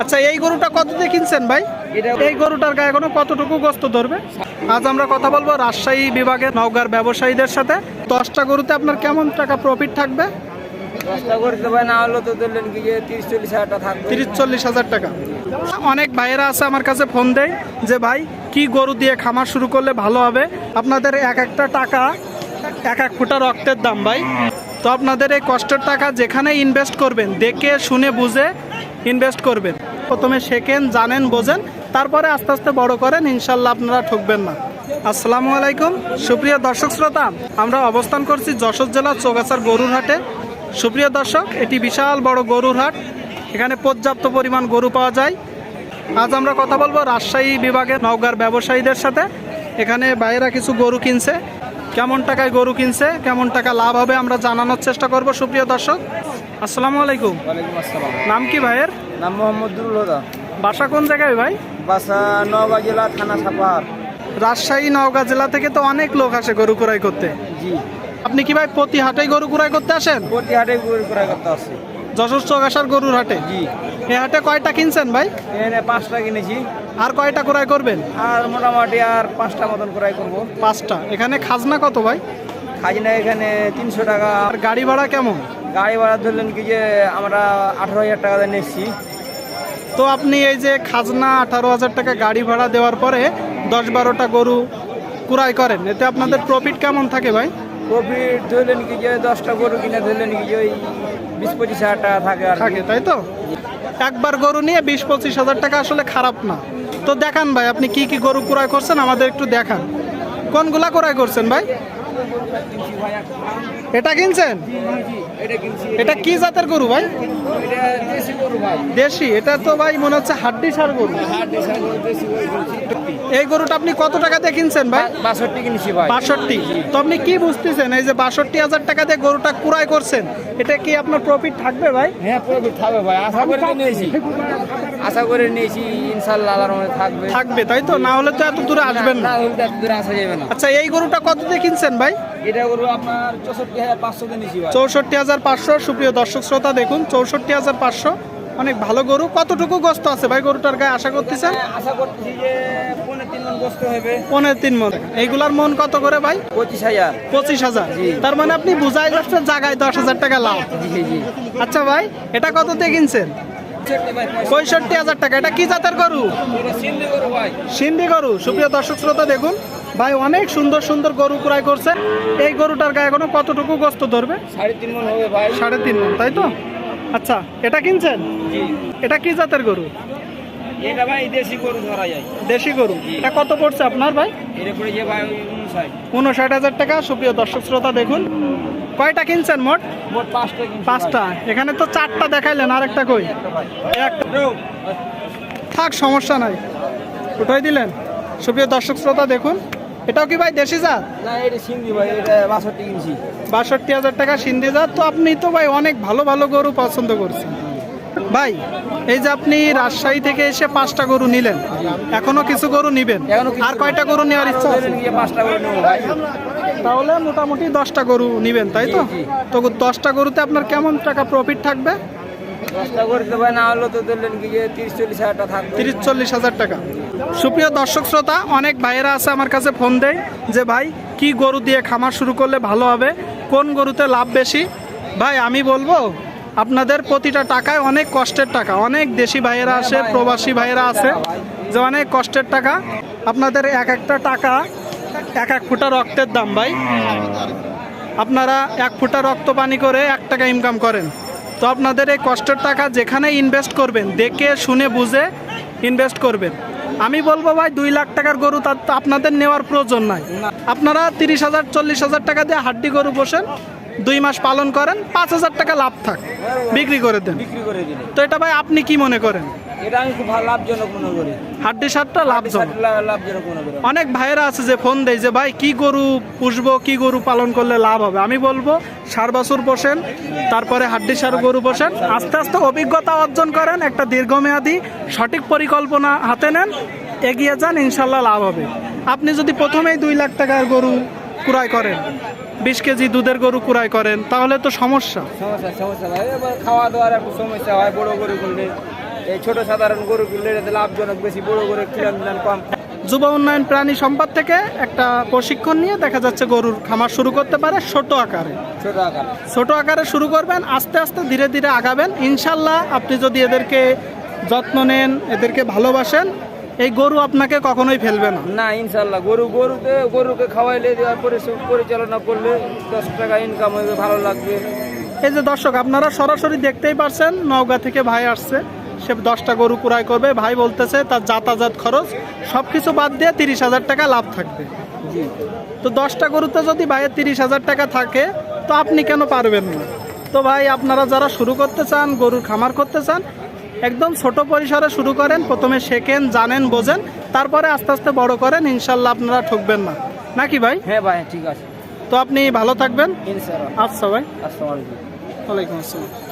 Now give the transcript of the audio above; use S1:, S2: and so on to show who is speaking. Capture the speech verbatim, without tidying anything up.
S1: আচ্ছা, এই গরুটা কত দিয়ে কিনছেন ভাই? এই গরুটার গায়ে এখনো কতটুকু গোস্ত ধরবে? আজ আমরা কথা বলবো রাজশাহী বিভাগের নওগাঁর ব্যবসায়ীদের সাথে। দশটা গরুতে আপনার কেমন টাকা প্রফিট থাকবে?
S2: দশটা গরুতে ভাই না হলো তো ধরলেন কি যে তিরিশ চল্লিশ হাজার টাকা থাকবে।
S1: তিরিশ চল্লিশ হাজার টাকা। অনেক ভাইয়েরা আছে আমার কাছে ফোন দেয় যে ভাই কি গরু দিয়ে খামার শুরু করলে ভালো হবে। আপনাদের এক একটা টাকা এক এক ফুটা রক্তের দাম ভাই। তো আপনাদের এই কষ্টের টাকা যেখানে ইনভেস্ট করবেন দেখে শুনে বুঝে ইনভেস্ট করবেন। প্রথমে শেখেন, জানেন, বোঝেন, তারপরে আস্তে আস্তে বড় করেন, ইনশাল্লাহ আপনারা ঠকবেন না। আসসালামু আলাইকুম সুপ্রিয় দর্শক শ্রোতা, আমরা অবস্থান করছি যশোর জেলার চৌগাছার গরুর হাটে। সুপ্রিয় দর্শক, এটি বিশাল বড় গরুর হাট, এখানে পর্যাপ্ত পরিমাণ গরু পাওয়া যায়। আজ আমরা কথা বলবো রাজশাহী বিভাগের নওগাঁর ব্যবসায়ীদের সাথে। এখানে বাইরেরা কিছু গরু কিনছে, কেমন টাকায় গরু কিনছে, কেমন টাকা লাভ হবে আমরা জানানোর চেষ্টা করব। সুপ্রিয় দর্শক, আসসালামু আলাইকুম।
S2: ওয়ালাইকুম আসসালাম।
S1: নাম কি ভাইয়ের?
S2: নাম মোহাম্মদ দুরুল হুদা।
S1: বাসা কোন জায়গায় ভাই?
S2: বাসা নওগাঁ জেলা, থানা সাপাহার।
S1: রাজশাহী নওগাঁ জেলা থেকে তো অনেক লোক আসে গরু ক্রয় করতে।
S2: জি।
S1: আপনি কি ভাই প্রতি হাটেই গরু ক্রয় করতে আসেন?
S2: প্রতি হাটে গরু ক্রয় করতে আসছি।
S1: যশোর চৌগাছার গরুর হাটে?
S2: জি।
S1: এই হাটে কয়টা কিনছেন ভাই?
S2: এখানে পাঁচটা কিনেছি।
S1: আর কয়টা ক্রয় করবেন?
S2: আর মোটামুটি আর পাঁচটা মতন ক্রয় করবো।
S1: পাঁচটা। এখানে খাজনা কত ভাই?
S2: খাজনা এখানে তিনশো টাকা।
S1: আর গাড়ি ভাড়া কেমন?
S2: গাড়ি ভাড়া ধরলেন কি যে আমরা আঠারো হাজার টাকা দিয়ে নিচ্ছি।
S1: তো আপনি এই যে খাজনা আঠারো হাজার টাকা গাড়ি ভাড়া দেওয়ার পরে দশ বারোটা গরু ক্রয় করেন, এতে আপনাদের প্রফিট কেমন থাকে ভাই?
S2: প্রফিট ধরলেন কি যে দশটা গরু কিনে ধরলেন কি যে ওই বিশ পঁচিশ হাজার টাকা থাকে আর
S1: থাকে, তাই তো? একবার গরু নিয়ে বিশ পঁচিশ হাজার টাকা আসলে খারাপ না। তো দেখান ভাই আপনি কি কি গরু ক্রয় করছেন, আমাদের একটু দেখান। কোনগুলা ক্রয় করছেন ভাই? এটা কিনছেন? এটা কি জাতের গরু ভাই? দেশি? এটা তো ভাই মনে হচ্ছে হাড্ডি সার গরু। এই গরুটা আপনি কত টাকা দিয়ে কিনছেন ভাই?
S2: বাষট্টি কিনেছি ভাই।
S1: বাষট্টি? তো আপনি কি বুঝতেছেন এই যে বাষট্টি হাজার টাকা দিয়ে গরুটা ক্রয় করছেন, এটা কি আপনার প্রফিট থাকবে ভাই?
S2: হ্যাঁ, প্রফিট থাকবে ভাই, আশা করে নিয়েছি। আশা করে নিয়েছি ইনশাআল্লাহ আল্লাহর রহমতে থাকবে।
S1: থাকবে, তাই তো? না হলে তো এত দূরে আসবেন না।
S2: না হলে তো এত দূরে আসা যাবে না।
S1: আচ্ছা, এই গরুটা কত দিয়ে কিনছেন ভাই?
S2: এটা গরু আপনার চৌষট্টি হাজার পাঁচশো কিনেছি ভাই।
S1: চৌষট্টি হাজার পাঁচশো। সুপ্রিয় দর্শক শ্রোতা দেখুন, চৌষট্টি হাজার পাঁচশো, অনেক ভালো গরু। কতটুকু গোস্ত আছে ভাই গরুটার গায়ে আশা করতেছেন?
S2: আশা করতেছি যে পনেরো তিন মন গোস্ত হবে।
S1: পনেরো তিন মন। এইগুলার মন কত করে ভাই?
S2: পঁচিশ হাজার।
S1: পঁচিশ হাজার। তার মানে আপনি বুঝাই যাচ্ছেন জায়গায় দশ হাজার টাকা লাভ।
S2: জি জি।
S1: আচ্ছা ভাই, এটা কত দিয়ে কিনছেন? পঁয়ষট্টি হাজার টাকা। এটা কি জাতের গরু?
S2: সিন্ধি গরু ভাই।
S1: সিন্ধি গরু। সুপ্রিয় দর্শক শ্রোতা দেখুন, ভাই অনেক সুন্দর সুন্দর গরু ক্রয় করছে। এই গরুটার গায়ে এখনো কতটুকু গোস্ত ধরবে?
S2: সাড়ে তিন মন হবে ভাই।
S1: সাড়ে তিন মন, তাই তো? আচ্ছা, এটা কিনছেন?
S2: জি।
S1: এটা কি জাতের গরু?
S2: এটা ভাই দেশি গরু ধরা যায়।
S1: দেশি গরু। এটা কত পড়ছে আপনার ভাই?
S2: এটা পড়ে যে ভাই উনষাট।
S1: উনষাট হাজার টাকা। সুপ্রিয় দর্শক শ্রোতা দেখুন, কয়টা কিনছেন মোট?
S2: মোট পাঁচটা কিনছি।
S1: পাঁচটা। এখানে তো চারটা দেখাইলেন, আর একটা কই? একটা। থাক, সমস্যা নাই, উঠাই দিলেন। সুপ্রিয় দর্শক শ্রোতা দেখুন, এটাও কি ভাই দেশি জাত?
S2: না, এটা সিন্ধি ভাই, এটা বাষট্টি কিনছি।
S1: বাষট্টি হাজার টাকা সিন্ধি জাত। তো আপনি তো ভাই অনেক ভালো ভালো গরু পছন্দ করছেন ভাই। এই যে আপনি রাজশাহী থেকে এসে পাঁচটা গরু নিলেন, এখনো কিছু গরু নিবেন, আর কয়টা গরু নেওয়ার ইচ্ছা আছে?
S2: পাঁচটা গরু নেবো ভাই।
S1: তাহলে মোটামুটি দশটা গরু নিবেন, তাই তো? তো দশটা গরুতে আপনার কেমন টাকা প্রফিট থাকবে?
S2: দশটা গরুতে ভাই না হলো তো ধরলেন কি যে তিরিশ চল্লিশ হাজার টাকা থাকবে।
S1: তিরিশ চল্লিশ হাজার টাকা। সুপ্রিয় দর্শক শ্রোতা, অনেক ভাইয়েরা আছে আমার কাছে ফোন দেয় যে ভাই কি গরু দিয়ে খামার শুরু করলে ভালো হবে, কোন গরুতে লাভ বেশি। ভাই আমি বলবো আপনাদের প্রতিটা টাকায় অনেক কষ্টের টাকা। অনেক দেশি ভাইয়েরা আসে, প্রবাসী ভাইয়েরা আছে, যে অনেক কষ্টের টাকা। আপনাদের এক একটা টাকা এক এক ফুটা রক্তের দাম ভাই। আপনারা এক ফুটা রক্ত পানি করে এক টাকা ইনকাম করেন। তো আপনাদের এই কষ্টের টাকা যেখানে ইনভেস্ট করবেন দেখে শুনে বুঝে ইনভেস্ট করবেন। আমি বলবো ভাই দুই লাখ টাকার গরু তার তো আপনাদের নেওয়ার প্রয়োজন নাই। আপনারা তিরিশ হাজার চল্লিশ হাজার টাকা দিয়ে হাড্ডি গরু বসেন, দুই মাস পালন করেন, পাঁচ হাজার টাকা লাভ থাক, বিক্রি করে দেন।
S2: বিক্রি করে দিলে
S1: তো এটা ভাই আপনি কি মনে করেন?
S2: এটা আমি খুব ভালো লাভজনক মনে করি।
S1: হাড্ডি সারটা লাভজনক।
S2: লাভজনক মনে করি।
S1: অনেক ভাইয়েরা আছে যে ফোন দেয় যে ভাই কি গরু পুষবো, কি গরু পালন করলে লাভ হবে। আমি বলবো সার বাছুর পোষেন, তারপরে হাড্ডি সার গরু পোষেন, আস্তে আস্তে অভিজ্ঞতা অর্জন করেন, একটা দীর্ঘমেয়াদী সঠিক পরিকল্পনা হাতে নেন, এগিয়ে যান, ইনশাল্লাহ লাভ হবে। আপনি যদি প্রথমেই দুই লাখ টাকার গরু ক্রয় করেন, বিশ কেজি দুধের গরু ক্রয় করেন, তাহলে তো সমস্যা।
S2: সমস্যা সমস্যা ভাই, এবার খাওয়া দাওয়ার একটু সমস্যা হয় বড় গরু করলে। এই ছোট সাধারণ গরু কিনলে এটাতে লাভজনক বেশি, বড় গরু কিলান দাম কম।
S1: যুব উন্নয়ন প্রাণী সম্পদ থেকে একটা প্রশিক্ষণ নিয়ে দেখা যাচ্ছে গরুর খামার শুরু করতে পারে ছোট আকারে।
S2: ছোট আকার
S1: ছোট আকারে শুরু করবেন, আস্তে আস্তে ধীরে ধীরে আগাবেন। ইনশাল্লাহ আপনি যদি এদেরকে যত্ন নেন, এদেরকে ভালোবাসেন, এই গরু আপনাকে কখনোই ফেলবে না।
S2: না ইনশাল্লাহ, গরু গরুতে গরুকে খাওয়াইলে দেওয়ার পরে পরিচালনা করলে দশ টাকা ইনকাম হবে, ভালো লাগবে।
S1: এই যে দর্শক, আপনারা সরাসরি দেখতেই পারছেন, নওগাঁ থেকে ভাই আসছে, সে দশটা গরু ক্রয় করবে। ভাই বলতেছে তার যাতায়াত খরচ সব কিছু বাদ দিয়ে তিরিশ হাজার টাকা লাভ থাকবে।
S2: জি,
S1: তো দশটা গরুতে যদি ভাইয়ের তিরিশ হাজার টাকা থাকে, তো আপনি কেন পারবেন না? তো ভাই, আপনারা যারা শুরু করতে চান, গরুর খামার করতে চান, একদম ছোট পরিসরে শুরু করেন। প্রথমে শেখেন, জানেন, বোঝেন, তারপরে আস্তে আস্তে বড় করেন। ইনশাল্লাহ আপনারা ঠকবেন না, নাকি ভাই?
S2: হ্যাঁ ভাই, ঠিক আছে।
S1: তো আপনি ভালো থাকবেন।
S2: ইনশাল্লাহ।
S1: আচ্ছা ভাই,
S2: আসসালামু আলাইকুম।
S1: ওয়ালাইকুম আসসালাম।